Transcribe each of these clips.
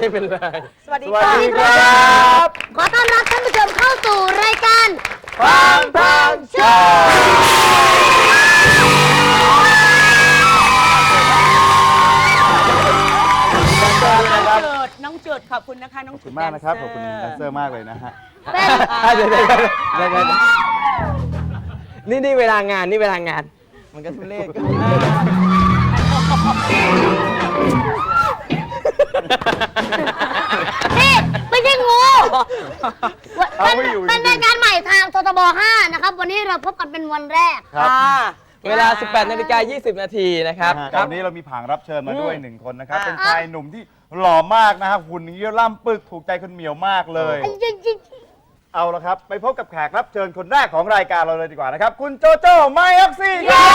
ไม่เป็นไรสวัสดีครับขอต้อนรับท่านผู้ชมเข้าสู่รายการฟังทางโชว์น้องเจิดขอบคุณนะคะน้องขอบคุณมากนะครับขอบคุณแดนเซอร์มากเลยนะฮะเดี๋ยวนี่เวลางานมันก็ทุเรศนี่ไม่ใช่งูเป็นรายการใหม่ทางททบ 5 นะครับวันนี้เราพบกันเป็นวันแรกครับเวลา 18:20 นาทีนะครับวันนี้เรามีผางรับเชิญมาด้วย1 คนนะครับเป็นชายหนุ่มที่หล่อมากนะครับหุ่นเยี่ยล่ำปึกถูกใจคุณเหมียวมากเลยเอาละครับไปพบกับแขกรับเชิญคนแรกของรายการเราเลยดีกว่านะครับคุณโจโจ้ไมออกซิ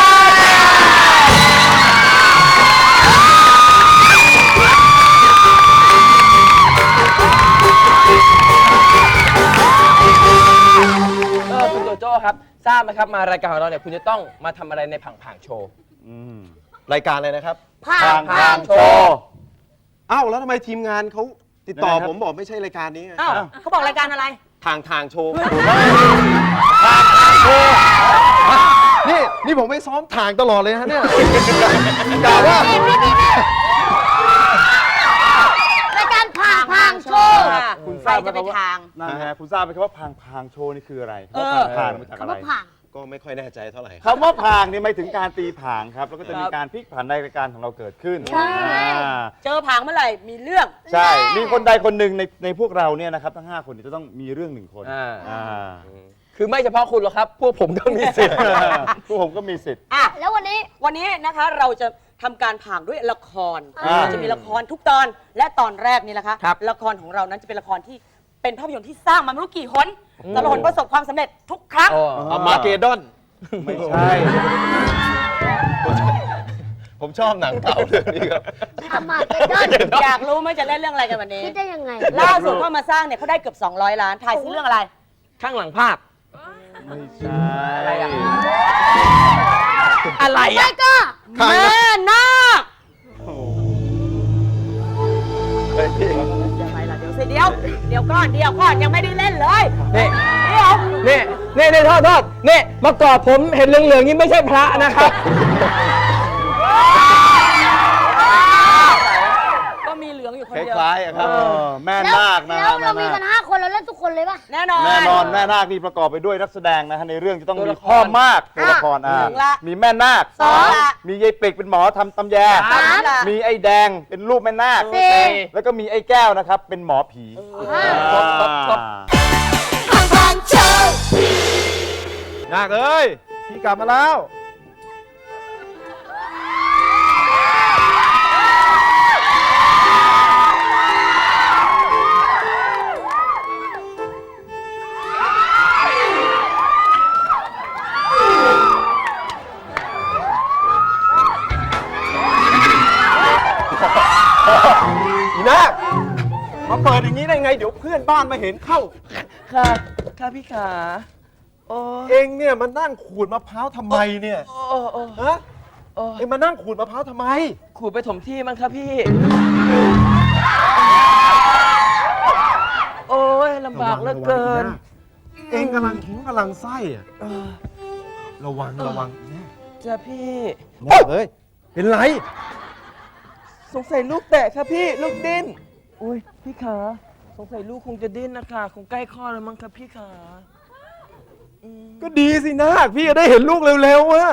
คุณโจโจ้ครับทราบไหมครับมารายการของเราเนี่ยคุณจะต้องมาทำอะไรในผังโชว์รายการอะไรนะครับผังโชว์อ้าวแล้วทำไมทีมงานเขาติดต่อผมบอกไม่ใช่รายการนี้อ้าวเขาบอกรายการอะไรทางโชว์นี่ผมไม่ซ้อมทางตลอดเลยฮะเนี่ยกล่าวว่ารายการผังโชว์คุณทราบไหมครับว่าคุณทราบไหมครับว่าพังโชว์นี่คืออะไรพังมาจากอะไรก็ไม่ค่อยแน่ใจเท่าไหร่คำว่าพางนี่หมายถึงการตีผางครับแล้วก็จะมีการพลิกผันในรายการของเราเกิดขึ้นเจอผางเมื่อไหร่มีเรื่องใช่มีคนใดคนหนึ่งในพวกเราเนี่ยนะครับทั้ง5 คนจะต้องมีเรื่อง1 คนคือไม่เฉพาะคุณหรอกครับพวกผมก็มีสิทธิ์พวกผมก็มีสิทธิ์แล้ววันนี้นะคะเราจะทำการผางด้วยละครจะมีละครทุกตอนและตอนแรกนี่แหละค่ะละครของเรานั้นจะเป็นละครที่เป็นภาพยนตร์ที่สร้างมาไม่รู้กี่หนแต่ละหนประสบความสำเร็จทุกครั้งมาเกดอนไม่ใช่ผมชอบหนังเก่าเรื่องนี้ครับมาเกดอนอยากรู้ไหมจะเล่นเรื่องอะไรกันวันนี้คิดได้ยังไงล่าสุดเขามาสร้างเนี่ยเขาได้เกือบ200 ล้านทายซิเรื่องอะไรข้างหลังภาพไม่ใช่อะไรใช่ก็แม่นาคยังไงล่ะเดี๋ยวก่อนยังไม่ได้เล่นเลยนี่โทษนี่เมื่อก่อนผมเห็นเหลืองๆนี่ไม่ใช่พระนะครับก็มีเหลืองอยู่คนเดียวคล้ายๆครับแม่นาคนะแล้วเรามีกัน5 คนเราเล่นทุกคนเลยป่ะแน่นอนแม่นาคนี่ประกอบไปด้วยนักแสดงนะฮะในเรื่องจะต้องมีพ่อมากตัวละครมีแม่นาคมียายปิกเป็นหมอทำตำแยมีไอ้แดงเป็นรูปแม่นาคแล้วก็มีไอ้แก้วนะครับเป็นหมอผีนาคเอ้ยพี่กลับมาแล้วอีนาคมาเปิดอย่างนี้ได้ไงเดี๋ยวเพื่อนบ้านมาเห็นเข้าค่ะพี่ขาเองเนี่ยมานั่งขูดมะพร้าวทำไมเนี่ยฮะเองมานั่งขูดมะพร้าวทำไมขูดไปถมที่มั้งครับพี่โอ้ยลำบากเหลือเกินเองกำลังไส้อะระวังจ้ะพี่เฮ้ยเป็นไรสงสัยลูกแตะครับพี่ลูกดิ้นอุ้ยพี่ขาสงสัยลูกคงจะดิ้นนะคะคงใกล้คลอดแล้วมั้งครับพี่ขาก็ดีสินาคพี่จะได้เห็นลูกเร็วๆว่ะ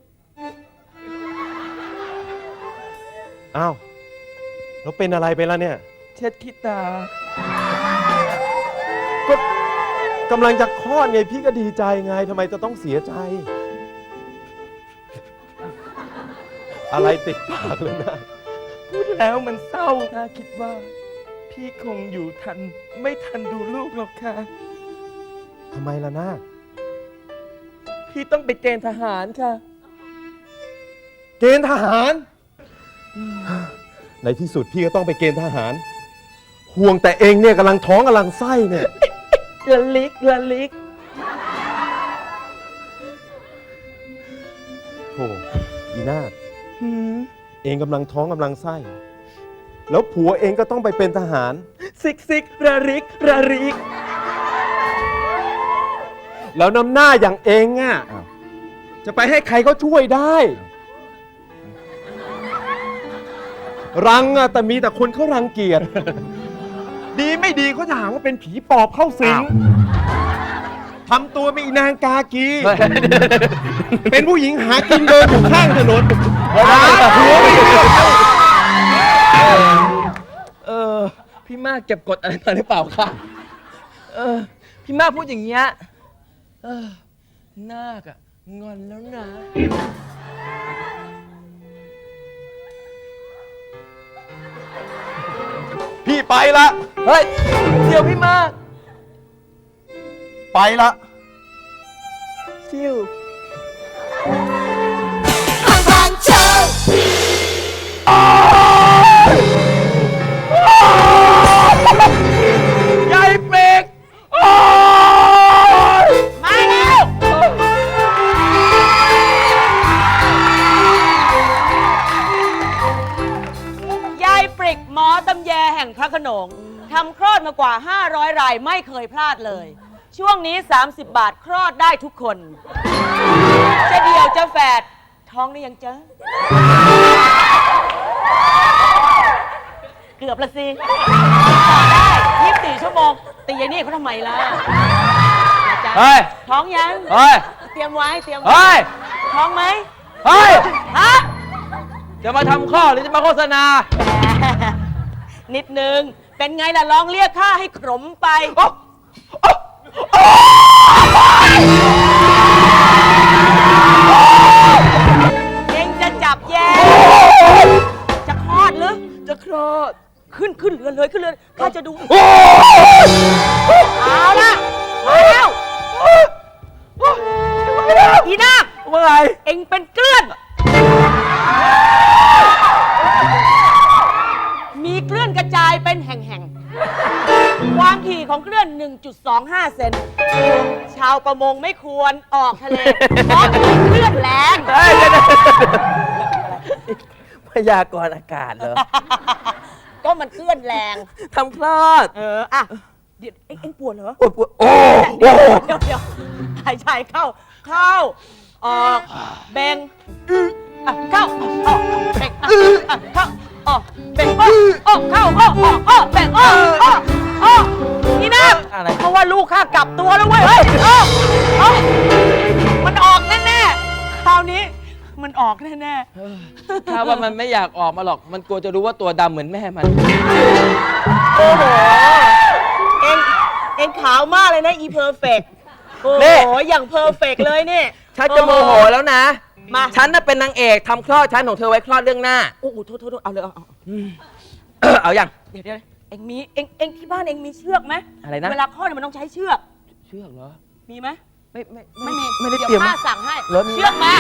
อ้าวแล้วเป็นอะไรไปแล้วเนี่ยเช็ดขี้ตาก็กำลังจะคลอดไงพี่ก็ดีใจไงทำไมจะต้องเสียใจอะไรติดปากเลยนะพูดแล้วมันเศร้าถ้าคิดว่าพี่คงอยู่ไม่ทันดูลูกหรอกค่ะทำไมล่ะนาคพี่ต้องไปเกณฑ์ทหารค่ะเกณฑ์ทหารในที่สุดพี่ก็ต้องไปเกณฑ์ทหารห่วงแต่เองเนี่ยกำลังท้องกำลังไส้เนี่ยละลิกโธ่อีนาคเองกำลังท้องกำลังไส้แล้วผัวเองก็ต้องไปเป็นทหารซิกซิกระริกระริกแล้วน้ำหน้าอย่างเองอ่ะจะไปให้ใครเขาช่วยได้ รังอ่ะแต่มีแต่คนเขารังเกียจ ดีไม่ดีเขาจะหาว่าเป็นผีปอบเข้าสิงทำตัวเป็นอีนางกากี เป็นผู้หญิงหากินเดินอยู่ข้างถนนหาผัวไม่ได้พี่มากเก็บกดอะไรมาหรือเปล่าคะพี่มากพูดอย่างเงี้ยนาคอะงอนแล้วนะพี่ไปละเฮ้ย เดี๋ยวพี่มากไปละซิว ยายเปรกมาแล้ว ยายปริกหมอตำแยแห่งพระโขนงทำคลอดมากว่า 500 รายไม่เคยพลาดเลย ช่วงนี้ 30 บาทคลอดได้ทุกคน จะเดี่ยวจะแฝดท้องได้ยังเจ๊ะเกือบละสิต่อได้24 ชั่วโมงตียายนี่เขาทำไมล่ะจ๊ะเฮ้ยท้องยังเฮ้ยเตรียมไว้เตรียมไว้เฮ้ยท้องไหมเฮ้ยฮะจะมาทำข้อหรือจะมาโฆษณานิดนึง เป็นไงล่ะลองเรียกข้าให้ขมไป เองจะจับแย่จะคลอดหรือจะคลอดขึ้นเรือนเลยขึ้นเรือนข้าจะดูเอาละมาแล้วอีนาคว่าไงเองเป็นเกลื่อน มีเกลื่อนกระจายเป็นแห่งๆ ความถี่ของเกลื่อน 1.25 เซน ชาวประมงไม่ควรออกทะเล เพราะเกลื่อนแรงพยากรณ์อากาศเหรอก็มันเกลื่อนแรงทำคลอดอ่ะ เดี๋ยวเอ็งปวดเหรอโอ้โหเดี๋ยวหายใจเข้า ออกเบ่งเข้าออกเบ่งเข้าออกเบ่งออกเข้าออกเบ่งออกนี่นะอะไรเพราะว่าลูกข้ากลับตัวแล้วเว้ยเฮ้ยมันออกแน่ๆคราวนี้มันออกแน่ๆถ้าว่ามันไม่อยากออกมาหรอก มันกลัวจะรู้ว่าตัวดำเหมือนแม่มันโอ้โห เอ็งขาวมากเลยนะอีเพอร์เฟกโอ้นี่โห อย่างเพอร์เฟกเลยนี่ฉันจะโมโหแล้วนะมาฉันน่ะเป็นนางเอกทำคลอดฉันของเธอไว้คลอดเรื่องหน้าโอ้โหโทษเอาเลยเอาเอาอย่างเดี๋ยวเอ็งมีเอ็งที่บ้านเอ็งมีเชือกไหมอะไรนะเวลาคลอดมันต้องใช้เชือกเชือกเหรอมีไหมไม่มีมีไม่ได้เดี๋ยวเตรียมป้าสั่งให้เหรอมีเชือกมา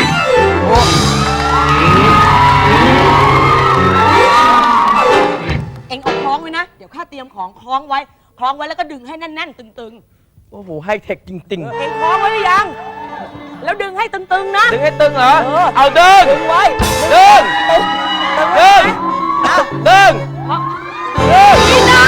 เอ็งเอาคล้องไว้นะ เดี๋ยวข้าเตรียมของคล้องไว้แล้วก็ดึงให้แน่นๆตึงโอ้โหไฮเทคจริงเอ็งคล้องไว้หรือยัง แล้วดึงให้ตึงๆนะๆ ดึงให้ตึงเหรอเออเอาดึงดึงไว้ดึง ดึง ดึงนี่นะ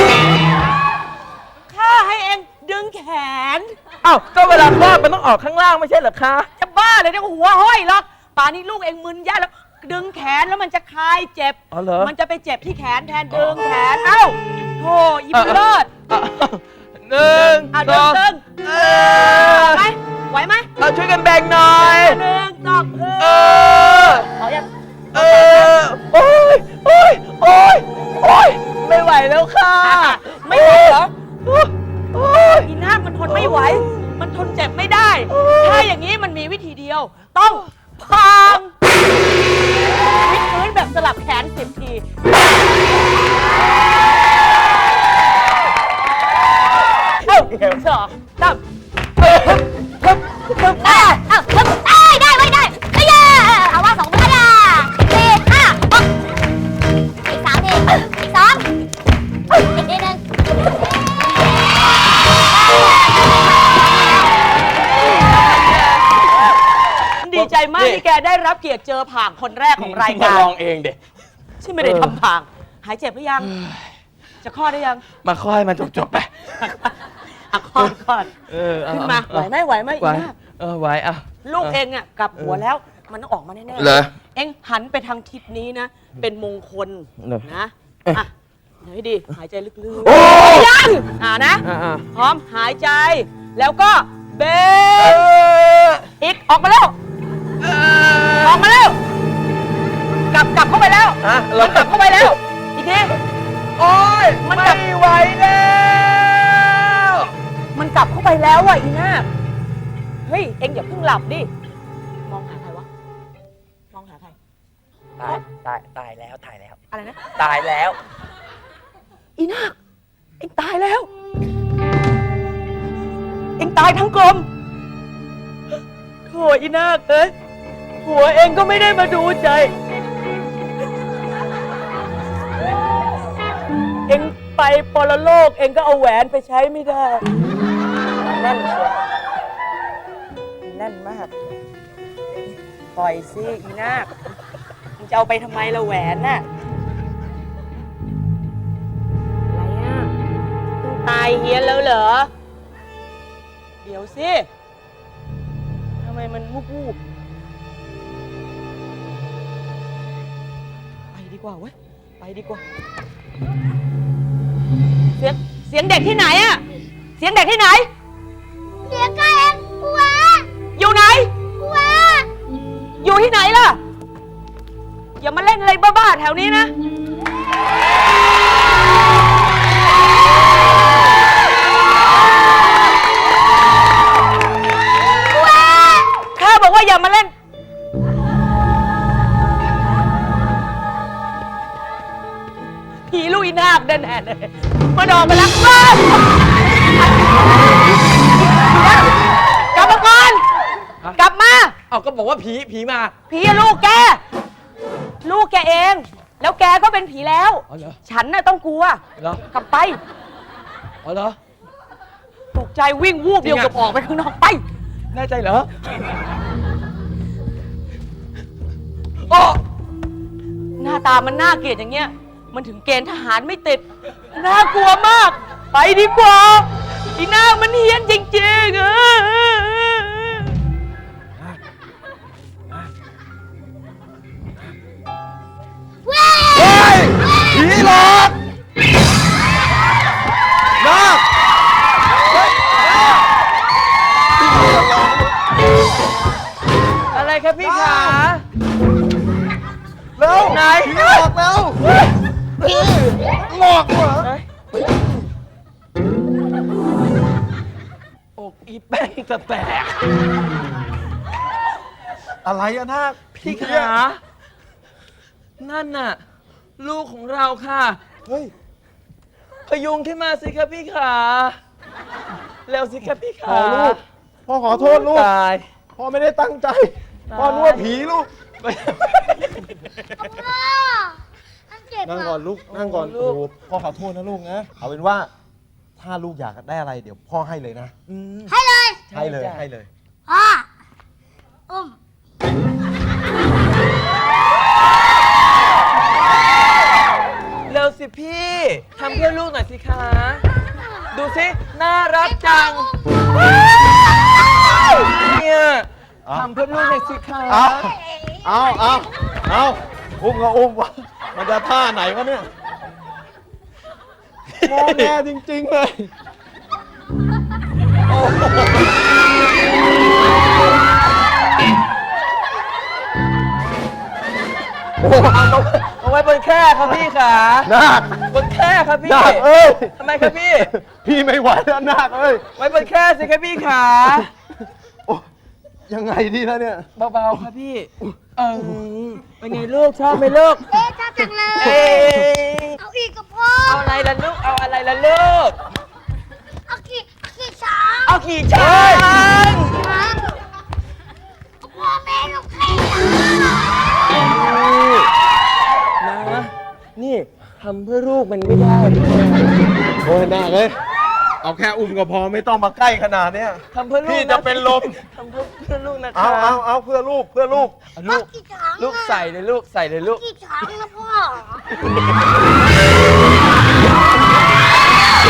ข้าให้เอ็งดึงแขนเอ้าก็เวลาคลอดมันต้องออกข้างล่างไม่ใช่เหรอคะจะบ้าเลยเนี่ยหัวห้อยหรอกป่านนี้ลูกเอ็งมึนแย่แล้ว ดึงแขนแล้วมันจะคลายเจ็บอ๋อเหรอมันจะไปเจ็บที่แขนแทนดึงแขน เอ้าโธ่อีบุญเลิศหนึ่งเอาสดึองงตึงไหวไหมเอาช่วยกันแบ่งหน่อยหนึ่งสอง เอายังโอ้ยโอ้ยโอ้ยโอ้ยไม่ไหวแล้วค่ะไม่ไหวเหรอโอ้ยอีนาคมันทนไม่ไหว มันทนเจ็บไม่ได้ ถ้าอย่างนี้มันมีวิธีเดียว ต้องพางวิดพื้นแบบสลับแขน10 ทีสองสามได้ได้ไว้ได้เฮ้ยเอาว่า2 มือได้4 5 6อีก3 ทีอีก 2 อีกทีนึงดีใจมากที่แกได้รับเกียรติเจอผางคนแรกของรายมาการลองเองเด็ฉันไม่ได้ทำผางหายเจ็บหรือยัง จะคลอดได้ยังมาค่อยมาจบไปอ่ะคลอดคลอดเอาขึ้นมาไหวไหมไหวไหมไหวอีน่าไหวอ่ะลูกเองอ่ะกลับหัวแล้วมันต้องออกมาแน่ๆเหรอเองหันไปทางทิศนี้นะ เป็นมงคลเหรอนะอ่ะเดี๋ยวให้ดีหายใจลึกโอ้ๆยังนะอ่าพร้อมหายใจแล้วก็เบรกอีกออกมาแล้วออกมาแล้วกลับเข้าไปแล้วเรามันกลับเข้าไปแล้ว อีกทีโอ้ยมันกลับไม่ไหวแล้วมันกลับเข้าไปแล้วว่ะอีน่าเฮ้ยเอ็งอย่าเพิ่งหลับดิมองหาใครวะมองหาใครตายแล้วอะไรนะตายแล้วอีนาคเอ็งตายแล้ว เอ็งตายทั้งกลมโถอีนาคเอ้ยหัวเอ็งก็ไม่ได้มาดูใจ เอ็งไปปรโลกเอ็งก็เอาแหวนไปใช้ไม่ได้แน่นเชียวแน่นมาก ปล่อยสิอีนาคมึงจะเอาไปทำไมละแหวนน่ะ อะไรอ่ะเพิ่งตายเฮียนแล้วเหรอ เดี๋ยวสิ ทำไมมันวูบไปดีกว่าเว้ย ไปดีกว่า เสียงเด็กที่ไหนอะเสียงเด็กที่ไหนเสียกเองหัวอยู่ไหนหัวอยู่ที่ไหนล่ะ อย่ามาเล่นอะไรบ้าๆแถวนี้นะ ข้าบอกว่าอย่ามาเล่น ผีลุยนาคแน่ๆเลยมาดอกมาแล้วว้าวกลับมาก่อน กลับมาเอาก็บอกว่าผีมาผีอะลูกแก ลูกแกเอง แล้วแกก็เป็นผีแล้วอ๋อเหรอฉันน่ะต้องกลัวเหรอกลับไปอ๋อเหรอตกใจวิ่งวูบเดียวจริงอะกับออกไปข้างนอกไปแน่ใจเหรอโอ้หน้าตามันน่าเกลียดอย่างเงี้ย มันถึงเกณฑ์ทหารไม่ติด น่ากลัวมาก ไปดีกว่าอีหน้ามันเฮี้ยนจริงๆเฮ้ย ผีหลอกนาคอะไรครับพี่ขาเร็วไหนผีหลอกแล้วหลอกเหรออกอีแป้งจะแตกอะไรอะนาคพี่ผีขา นั่นน่ะ ลูกของเราค่ะเฮ้ยพยุงขึ้นมาสิครับพี่ขา เร็วสิครับพี่พ่ขาอลูก พ่อขอโทษลูกตายพ่อไม่ได้ตั้งใจตายพ่อนึกว่าผีลูกพ่อมันเจ็บนั่งอ่ะก่อนลูก นั่งก่อนลูโอ้กโหพ่อขอโทษนะลูกนะ เอาเป็นว่า ถ้าลูกอยากได้อะไร เดี๋ยวพ่อให้เลยนะให้เลยให้เลยจ้ะให้เลยพ่ออุ้มเร็วสิพี่ทำเพื่อลูกหน่อยสิคะ ดูสิ น่ารักจัง เนี่ยเอาทำเพื่อลูกหน่อยสิคะเอาอุ้มก็อุ้มวะมันจะท่าไหนวะเนี่ยงอแงจริง ๆ เลยเอาไว้บนแคร่ครับพี่ขานาคบนแคร่ครับพี่นาคเอ้ยทำไมครับพี่พี่ไม่ไหวแล้วนาคเอ้ยไว้บนแคร่สิครับพี่ขาโอ้ยังไงดีแล้วเนี่ยเบาๆครับพี่ เป็นไงลูกชอบไหมลูกเอ๊ะชอบจังเลยเอ้ยเอาอีกกับพ่อเอาอะไรล่ะลูก เอาอะไรล่ะลูกเอาขี่ช้างเอาขี่ช้างครับเอาพ่อแม่ลูกขี่ช้างนะ นี่ทำเพื่อลูกมันไม่ได้โอ้ยนาคเอ้ยเอาแค่อุ้มก็พอไม่ต้องมาใกล้ขนาดเนี้ยทำเพื่อลูกพี่จะเป็นลมทำเพื่อลูกนะเอาคะเอาเพื่อลูกเพื่อลูกลูกขี่ช้างลูกใส่เลยลูก ใส่เลยลูกขี่ช้างนะพ่อ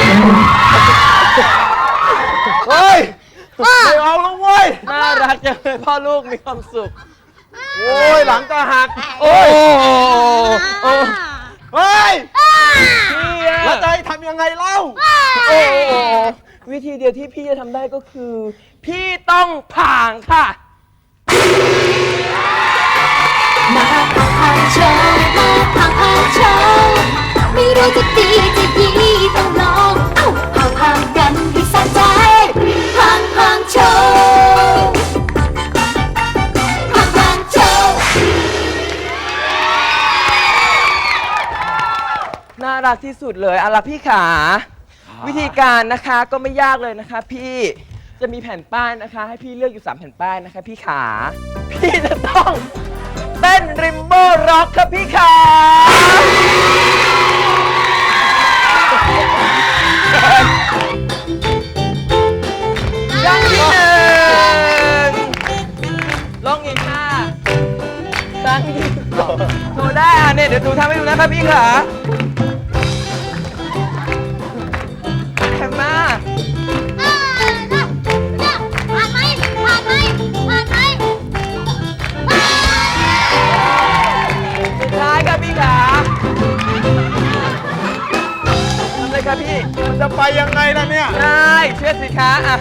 เฮ้ยไม่เอาแล้วเว้ยน่ารักจังเลยพ่อลูกมีความสุขโอ้ยหลังจะหักโอ้ยเฮ้ยพี่อะแล้วจะให้ทำยังไงเล่าโอ้วิธีเดียวที่พี่จะทำได้ก็คือ พี่ต้องผ่างค่ะมาผ่านโชว์มาผ่านโชว์ไม่รู้จะดีจะยีต้องลองเอ้าผ่านกันให้สะใจผ่านโชว์ผ่านโชว์น่ารักที่สุดเลยเอาล่ะพี่ขา วิธีการนะคะก็ไม่ยากเลยนะคะพี่จะมีแผ่นป้ายนะคะ ให้พี่เลือกอยู่ 3 แผ่นป้ายนะคะพี่ขา พี่จะต้องเต้นริมโบร็อกครับพี่ขาอย่างที่ 1ลองอีกค่ะครั้งที่2โชว์ได้อ่ะเนี่ยเดี๋ยวดูทำให้ดูนะครับพี่ขาแคมมาผ่านไหมผ่านไหมผ่านไหมสุดท้ายครับพี่ขาทำเลยครับพี่มันจะไปยังไงล่ะเนี่ยได้เชื่อสิคะอ่ะ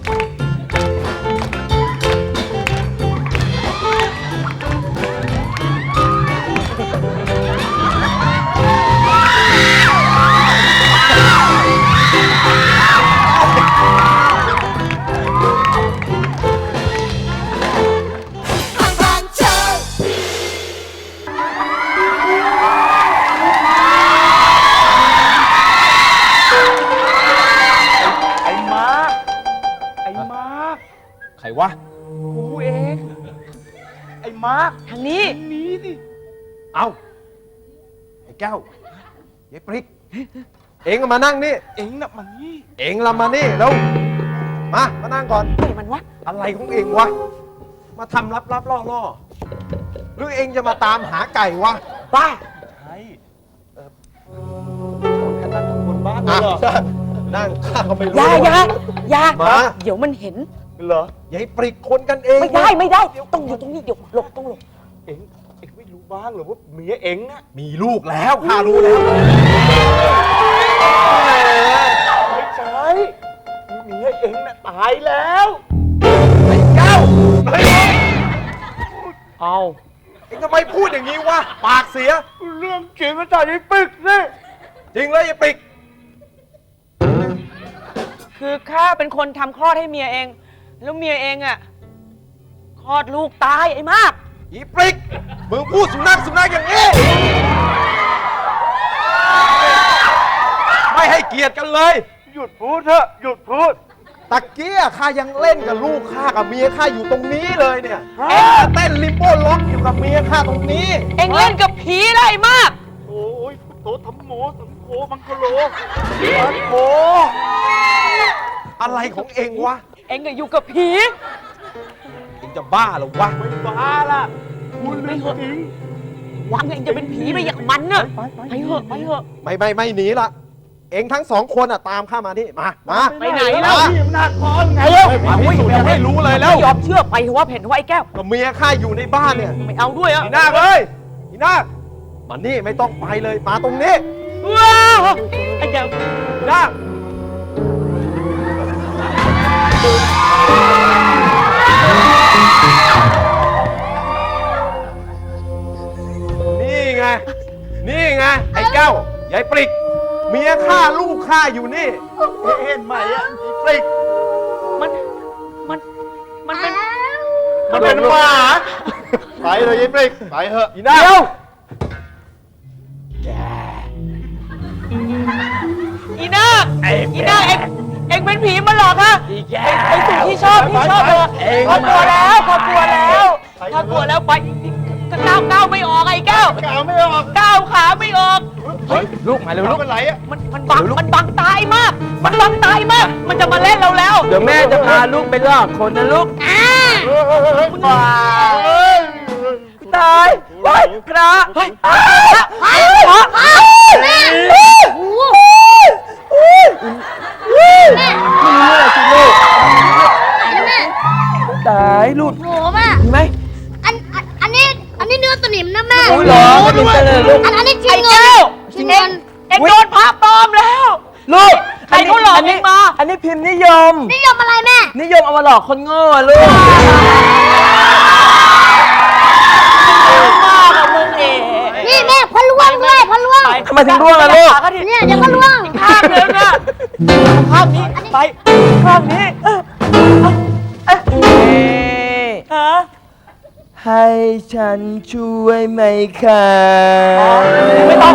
ผ่านโชว์ไอ้มาร์คไอ้มาร์คใครวะกูเอง ไอ้มาร์คทางนี้หนีสิเอาไอ้แก้ว ยายปริก เอ็งก็มานั่งนี่เอ็งน่ะมันนี่เอ็งละมานี่แล้วมานั่งก่อนเฮ้ยมันวะอะไรของเอ็งวะ มาทำลับๆล่อๆหรือเอ็งจะมาตามหาไก่วะบ้าใช่บนบ้านเหรอนั่งข้าก็ไม่รู้อย่ามาเดี๋ยวมันเห็นเหรอยายปริกคนกันเองไม่ได้ต้องอยู่ตรงนี้เดี๋ยวหลบต้องหลบเอ็งไม่รู้บ้างเหรอว่าเมียเอ็งน่ะมีลูกแล้วข้ารู้แล้วไม่ใช่เมียเอ็งน่ะตายแล้วไอ้แก้วเอาเอ็งทำไมพูดอย่างนี้วะ ปากเสียเรื่องจริงมาจากไอ้ปึ๊กสิจริงเลยยายปริกคือข้าเป็นคนทำคลอดให้เมียเอง แล้วเมียเองอ่ะคลอดลูกตายไอ้มากอีปริก มึงพูดสุนัขอย่างนี้ ไม่ให้เกียรติกันเลยหยุดพูดเถอะหยุดพูดตะเกียข้ายังเล่นกับลูกข้ากับเมียข้าอยู่ตรงนี้เลยเนี่ยเอ็งมาเต้นลิมโบ้ล็อกอยู่กับเมียข้าตรงนี้เองเล่นกับผีได้มากโอ้ยโตทำโมสังโฆมังคโลมังโฆอะไรของเอ็งวะเองก็อยู่กับผีเอ็งจะบ้าเหรอวะไม่บ้าล่ะพูดเรื่องจริงหวังเองจะเป็นผีไปอย่างมันน่ะไปเถอะไม่หนีละ เอ็งทั้งสองคนอ่ะตามข้ามาที่มาไปไหนแล้วพี่อำนาจพรไงมาพิสูจน์ยังไม่รู้เลยแล้วไม่ยอมเชื่อไปเถอะว่าเห็นว่าไอ้แก้วก็เมียข้าอยู่ในบ้านเนี่ยไม่เอาด้วยอ่ะอีนาคเลยอีนาคมานี่ไม่ต้องไปเลย มาตรงนี้ว้าวไอ้แก้วอีนาคนี่ไง ไอ้แก้วยายปริก เมียข้าลูกข้าอยู่นี่เห็นไหมอ่ะไอ้ปริกมันเป็นมันเป็นหมาไปเลยไอ้ปริกไปเถอะอีนาคอีนาคเองเป็นผีมาหลอกฮะไอ้สิ่งที่ชอบเลยพอกลัวแล้วไปก้าวไม่ออกไอ้แก้วกาวไม่ออกก้าวขาไม่ออกลูกมาเร็วลูกเป็นไรอ่ะมันบังตายมาก มันจะมาเล่นเราแล้วเดี๋ยวแม่จะพาลูกไปลอกคนนะลูกบ้าตายเฮ้ยพระเฮ้ยพระลูกอันนี้จริไอ้งเงิแก้นวจริงเงินเอ็งโดนพระปลอมแล้วลูกใครเขาหลอกเองมาอันนี้พิมพ์นิยมนิยมอะไรแม่นิยมเอามาหลอกคนโง่อะลูกมากอะมึงเองนี่แม่พะล่วงด้วยพะล่วงทำไมถึงร่วงอะลูกเนี่ยเดี๋ยวก็ล่วงข้างนึงอะข้างนี้ไปข้างนี้ฮะให้ฉันช่วยไหมคะไม่ต้อง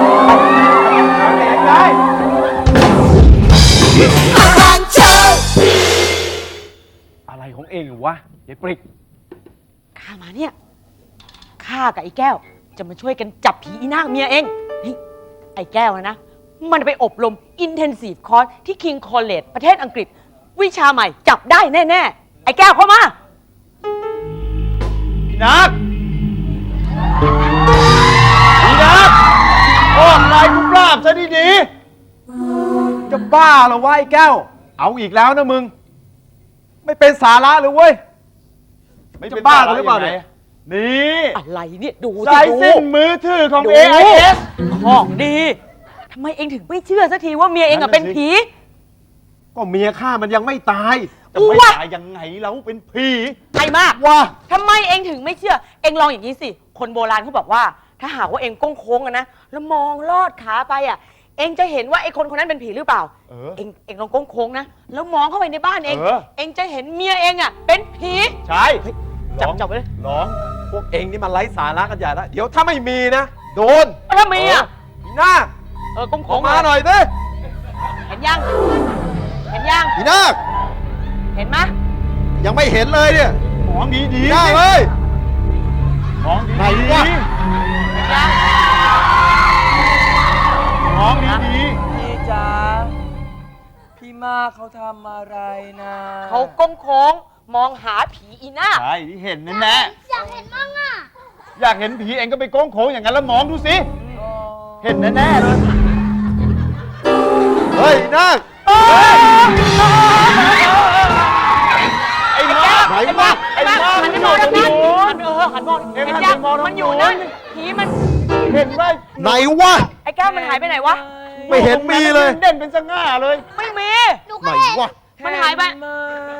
อะไรของเองวะยายปริกข้ามาเนี่ยข้ากับไอ้แก้วจะมาช่วยกันจับผีอีนางเมียเองนี่ไอ้แก้วนะมันไปอบรม Intensive Course ที่ King College ประเทศอังกฤษ วิชาใหม่จับได้แน่ๆไอ้แก้วเข้ามาพี่นักพี่นักออกลายกุปราบซะดีจะบ้าเหรอวะไอ้แก้ว เอาอีกแล้วนะมึง ไม่เป็นสาระเลยเว้ยๆไม่จะบ้ากันหรือเปล่าเนี่ยนี่อะไรเนี่ยดูสายสิสิ้นดูมือถือของดู AIS ของดีทำไมเองถึงไม่เชื่อสักทีว่าเมียเองนั่อะนน่ะเป็นสิผีก็เมียข้ามันยังไม่ตายจะไม่วะตายยังไงเราเป็นผีไอ้มากว่าทำไมเองถึงไม่เชื่อ เองลองอย่างนี้สิ คนโบราณเขาบอกว่า ถ้าหากว่าเองก้งโค้งอะนะ แล้วมองลอดขาไปอะเองจะเห็นว่าไอ้คนคนนั้นเป็นผีหรือเปล่า เองลองก้งโค้งนะ แล้วมองเข้าไปในบ้านเอง เองจะเห็นเมียเองอะเป็นผีใช่จับไปเลยร้องพวกเองนี่มันไร้สาระกันใหญ่แล้ว เดี๋ยวถ้าไม่มีนะ โดนแล้วถ้ามีอะอีนาคก้งอโค้อง กมาหน่อยสิเห็นยัง เห็นยังอีนาคเห็นไหมยังไม่เห็นเลยเนี่ยมองดีอีๆนาคเอ้ยมองไหนดีวะเห็นยังๆมองดีพี่จ๋าพี่มากเขาทำอะไรนะเขาก้งโค้งมองหาผีอีหน้าๆใช่ที่เห็นแน่อยากเห็นมั่งอ่ะๆอยากเห็นผีเองก็ไปโค้งโค้งอย่างนั้นแล้วมองดูสิ เห็นแน่ๆเลยเฮ้ยอีนาคไอ้มาไหนวะไอ้มาหันมันไปอมยู่องตรทาง งนั้นนู้นหันมองเอ็งเห็นหันยังไปมองทางมันอยู่นู้นนั่นผีมันเห็นว่าไหนวะไอ้แก้วมันหายไปไหนวะไม่เห็นมีเลยเด่นเป็นสง่าเลยไม่มีหนูไหนก็เห็นวะมันหายไปเห็นไหม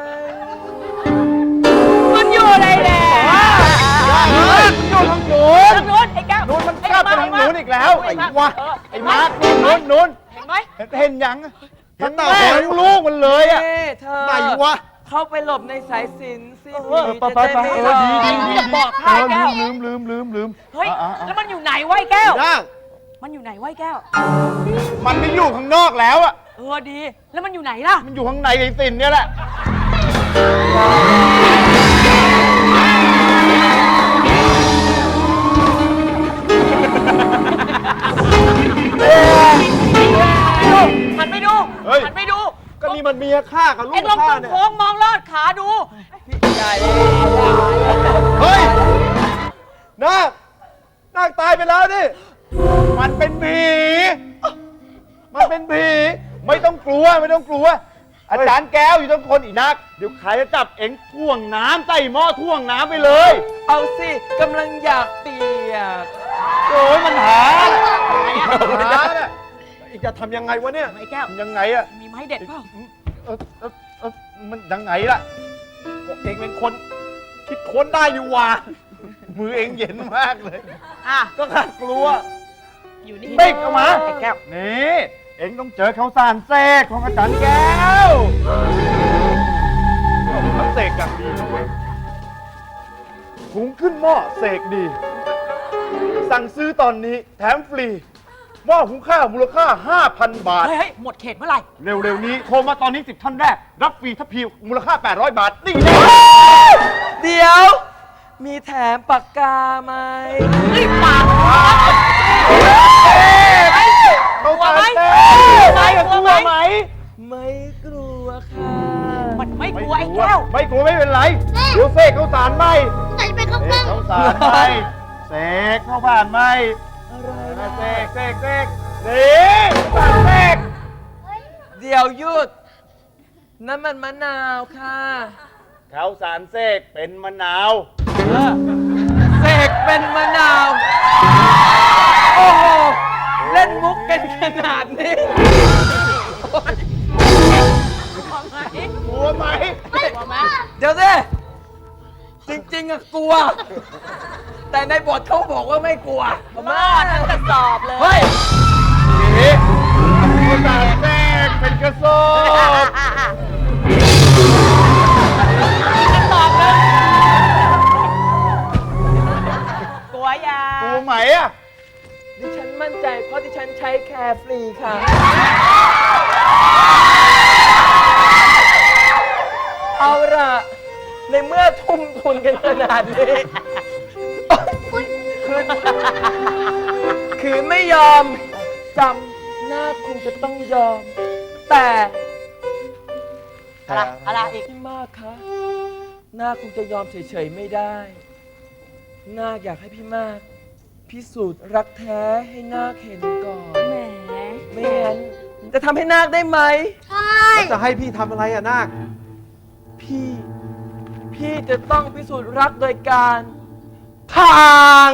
มันอยู่ไหนแหละอยู่ทางนู้นทางนู้นไอ้แก้วนู้นมันกลับไปทางนู้นอีกแล้วไอ้วะไอ้มาร์คนู้นนู้นเห็นไหมเห็นยังเห็นทั้งเปล่าแม่ทั้งลูกมันเลยอ่ะนี่เธอไหนวะเข้าไปหลบในสายสิญจนสิเออผีไปจะไปได้ไปไม่เอหลออกดีดีดีจะบอกให้แก้วลืมเฮ้ยอ่ะแล้วมันอยู่ไหนวะไอ้แก้วอีนาคมันอยู่ไหนวะไอ้แก้วมันไม่อยู่ข้างนอกแล้วอ่ะดี แล้วมันอยู่ไหนล่ะมันอยู่ข้างในไอ้สินเนี่ยแหละหันไปดูเฮ้ยหันไปดูก็นี่มันเมียข้ากับลูเอ็กงลองข้าก้งเนี่ยโค้งมองลอดขาดูใหญ่เฮ้ยนาคตายไปแล้วดิมันเป็นผี มันเป็นผี ไม่ต้องกลัวไม่ต้องกลัว อาจารย์แก้วอยู่ตรงคนอีนัก เดี๋ยวใครจะจับเอ็งท่วงน้ำใส่หม้อท่วงน้ำไปเลยเอาสิกำลังอยากเปียกโอ้ยมันหาเนี่ยอีกจะทำยังไงวะเนี่ยไอ้แก้วมันยังไงอะมีไม้เด็ดเปล่ามันยังไงล่ะบอกเองเป็นคนคิดค้นได้อยู่ว่ะมือเอ็งเย็นมากเลยอ่ะก็ขาดกลัวอยู่นี่บิ๊กออกมาไอ้แก้วนี่ เอ็งต้องเจอข้าวสารเสกของอาจารย์แก้วเขาเสกอย่างดีนะเว้ยหุงขึ้นหม้อเสกดี สั่งซื้อตอนนี้แถมฟรี หม้อหุงข้าวมูลค่า 5,000 บาทเฮ้ยหมดเขตเมื่อไหร่เร็วๆนี้โทรมาตอนนี้ 10 ท่านแรก รับฟรีทัพพีมูลค่า 800 บาท นี่เลยเดี๋ยว มีแถมปากกาไหมรีบปากข้าวสารเสไหมกกลัวไหมไม่กลัวค่ะมันไม่กลัวไอ้แก้วไม่กลัวไม่เป็นไร เดี๋ยวเสกข้าวสารไหมไหนจะเป็นข้าวเสกล้กองข้าวสารไหมเสกข้าวผ่านไหมอะไรนะเสกนี่ข้าวสารเสกเดี๋ยวหยุดนั่นมันมะนาวค่ะข้าวสารเสกเป็นมะนาวเสกเป็นมะนาวโอ้โห เล่นมุกกันขนาดนี้กลัวไหมเดี๋ยวสิ จริงๆอะกลัว แต่ในบทเขาบอกว่าไม่กลัวบ้าทั้งกระสอบเลยเฮ้ยกระดาษแทรกเป็นกระสอบกลัวยากลัวไหมอ่ะดิฉันมั่นใจเพราะดิฉันใช้แคร์ฟรีค่ะ เอาล่ะ ในเมื่อทุ่มทุนกันขนาดนี้ คือไม่ยอมจำหน้าคงจะต้องยอม แต่อะไรอีกพี่มากคะหน้าคงจะยอมเฉยๆไม่ได้นาคอยากให้พี่มากพิสูจน์รักแท้ให้นาคเห็นก่อนแหมไม่งั้นจะทำให้นาคได้ไหมแล้วจะให้พี่ทำอะไรอะนาคพี่จะต้องพิสูจน์รักโดยการพาง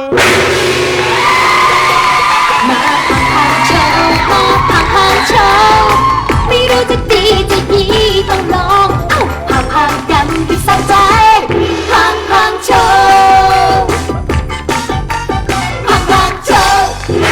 มาพังโชว์มาพังโชว์ไม่รู้จะดีจะยีต้องลองเอ้าพังกันให้สะใจพังโชว์พังโชว์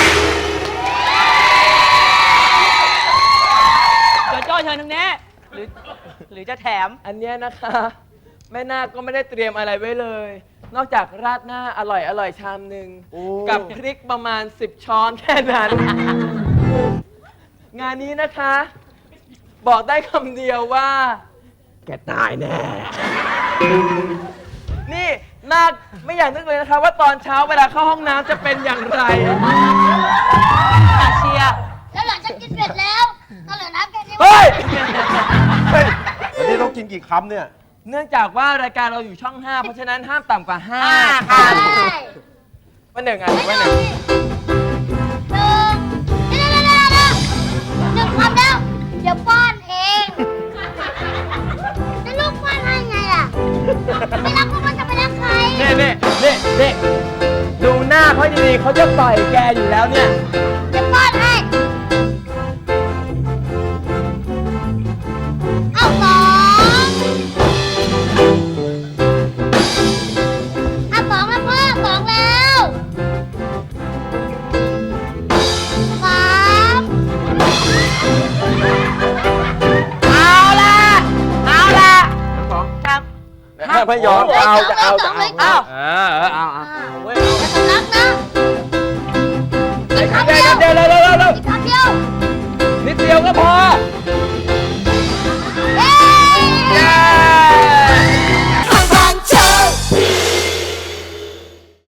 โจโจ้เชิญทางนี้หรือจะแถมอันเนี้ยนะคะ แม่นาคก็ไม่ได้เตรียมอะไรไว้เลย นอกจากราดหน้าอร่อยชามหนึ่งกับพริกประมาณ 10 ช้อนแค่นั้น งานนี้นะคะ บอกได้คำเดียวว่า แกตายแน่ นี่นาคไม่อยากนึกเลยนะคะ ว่าตอนเช้าเวลาเข้าห้องน้ำจะเป็นอย่างไรเชียร์แล้วหลังจากกินเสร็จแล้วก็เหลือน้ำแค่นี้เฮ้ยวันนี้ต้องกินกี่คำเนี่ยเนื่องจากว่ารายการเราอยู่ช่อง 5 เพราะฉะนั้นห้ามต่ำกว่า5 ใช่ว่าหนึ่งอ่ะว่าหนึ่งหนึ่งคำแล้ว เดี๋ยวป้อนเองแล้วลูกป้อนให้ไงล่ะ ไม่รักก็จะไปรักใครนี่ดูหน้าเขาดีๆเขาจะปล่อยแกอยู่แล้วเนี่ยจะป้อนให้ เอาสองเอาสองแล้วพ่อสองแล้วสามเอาละครับไม่ยอมจะเอาเอาเอาเอาเอาเว้ย